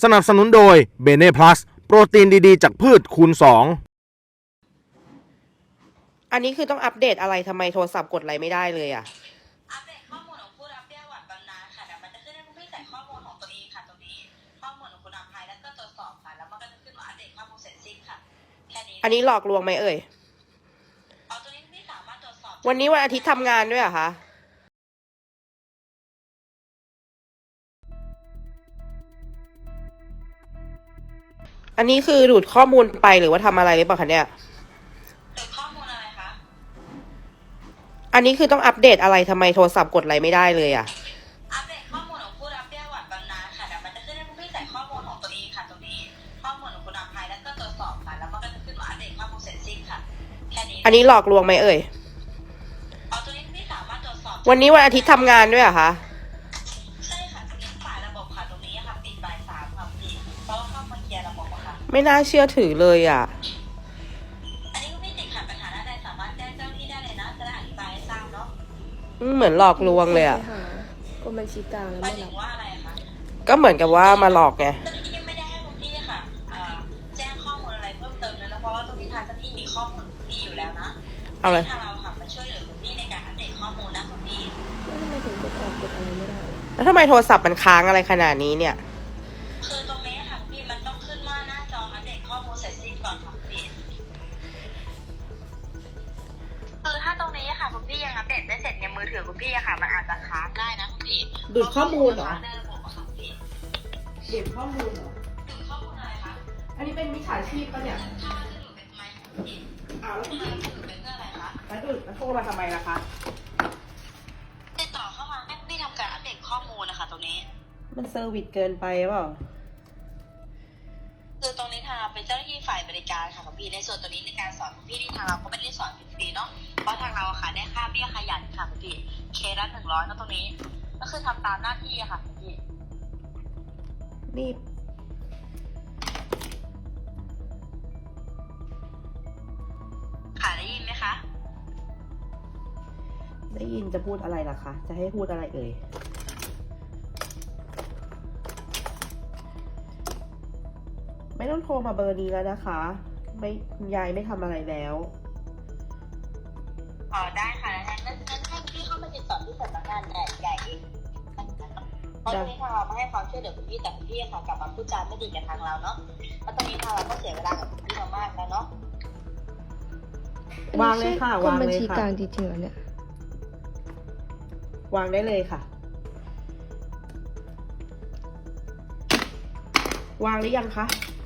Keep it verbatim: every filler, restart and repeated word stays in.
สนับสนุนโดยเบเน่พลัสโปรตีนดีๆจากพืชคูณสองอันนี้คือต้องอัปเดตอะไรทำไมโทรศัพท์กดอะไรไม่ได้เลยอ่ะอัปเดตข้อมูลของผู้รับเบี้ยหวัดบำนาญค่ะเดี๋ยวมันจะขึ้นให้ผู้พี่ใส่ข้อมูลของตัวเองค่ะตรงนี้ข้อมูลของคุณอภัยแล้วก็ตรวจสอบค่ะแล้วมันก็จะขึ้นมาอัปเดตข้อมูลเสร็จสิ้นค่ะแค่นี้อันนี้หลอกลวงไหมเอ่ยเอาตัวนี้พี่สามารถตรวจสอบวันนี้วันอาทิตย์ทำงานด้วยเหรอคะอันนี้คือดูดข้อมูลไปหรือว่าทำอะไรหรือเปล่าคะเนี่ยดูดข้อมูลอะไรคะอันนี้คือต้องอัปเดตอะไรทำไมโทรศัพท์กดอะไรไม่ได้เลยอ่ะอัปเดตข้อมูลของผู้รับเบี้ยหวัดบำนาญค่ะเดี๋ยวมันจะขึ้นให้ผู้พี่ใส่ข้อมูลของตัวเองค่ะตรงนี้ข้อมูลของคุณอภัยแล้วก็ตรวจสอบค่ะแล้วมันก็จะขึ้นมาอัปเดตข้อมูลเสร็จสิ้นค่ะแค่นี้อันนี้หลอกลวงไหมเอ่ยเอาตัวนี้พี่สามารถตรวจสอบวันนี้วันอาทิตย์ทำงานด้วยเหรอคะใช่ค่ะตรงนี้ฝ่ายระบบค่ะตรงนี้ค่ะปิดบ่ายสามค่ะพี่เพราะว่าเข้ามาเคลียร์ระบบอะค่ะไม่น่าเชื่อถือเลยอ่ะอันนี้คุณพี่ติดขัดปัญหาใดสามารถแจ้งเจ้าหน้าที่ได้เลยนะจะได้อธิบายให้ทราบเนาะเหมือนหลอกลวงเลยอ่ะกรมบัญชีกลางแล้วหมาไม่ยถึรังบว่าอะไรคะก็เหมือนกับว่ามาหลอกไงเจ้าหน้าที่ไม่ได้ให้คุณพี่ค่ะแจ้งข้อมูลอะไรเพิ่มเติมเลยนะเพราะว่าตรงนี้ทางเจ้าหน้าที่มีข้อมูลคุณพี่อยู่แล้วนะเอาเลยทางเราค่ะมาช่วยเหลือคุณพี่ในการอัปเดตข้อมูลนะคุณพี่แล้วทำไมถึงกดออกกดอะไรไม่ได้แล้วทำไมโทรศัพท์มันค้างอะไรขนาดนี้เนี่ยคือตรงนี้ค่ะพี่มันต้องขึ้นว่าหน้าจออัปเดตข้อมูลเสร็จสิ้นก่อนค่ะพี่คือถ้าตรงนี้ค่ะคุณพี่ยังอัปเดตไม่เสร็จเนี่ยมือถือคุณพี่ค่ะมันอาจจะค้างได้นะคุณพี่ดูดข้อมูลเหรอดูดข้อมูลเหรอดูข้อมูลอะไรคะอันนี้เป็นมิจฉาชีพปะเนี่ยถ้าจะดูดเป็นทำไมของพี่อ้าวแล้วทำไมดูดเป็นเพื่ออะไรคะแล้วดูดแล้วโทรมาทำไมล่ะคะติดต่อเข้ามาให้พี่ทำการอัปเดตข้อมูลนะคะตรงนี้มันเซอร์วิสเกินไปเปล่าคือตรงนี้ทางเราเป็นเจ้าหน้าที่ฝ่ายบริการค่ะคุณพี่ในส่วนตรงนี้ในการสอนคุณพี่ที่ทางเราก็ไม่ได้สอนฟรีๆเนาะเพราะทางเราค่ะได้ค่าเบี้ยขยันค่ะคุณพี่เคละหนึ่งร้อยก็ตรงนี้ก็คือทำตามหน้าที่ค่ะคุณพี่นี่ค่ะได้ยินไหมคะได้ยินจะพูดอะไรล่ะคะจะให้พูดอะไรเอ่ยไม่ต้องโทรมาเบอร์นี้แล้วนะคะไม่คุณยายไม่ทำอะไรแล้วอ๋อได้ค่ะงั้นงั้นให้พี่เข้ามาติดต่อที่สำนักงานใหญ่ใหญ่เองเพราะตรงนี้ทางเราไม่ให้ความช่วยเหลือคุณพี่แต่คุณพี่ค่ะกลับมาพูดจาไม่ดีกับทางเราเนาะเพราะตรงนี้ทางเราก็เสียเวลากับคุณพี่มามากแล้วเนาะวางเลยค่ะวางเลยค่ะกรมบัญชีกลางจริงๆเหรอเนี่ยวางได้เลยค่ะวางหรือยังคะ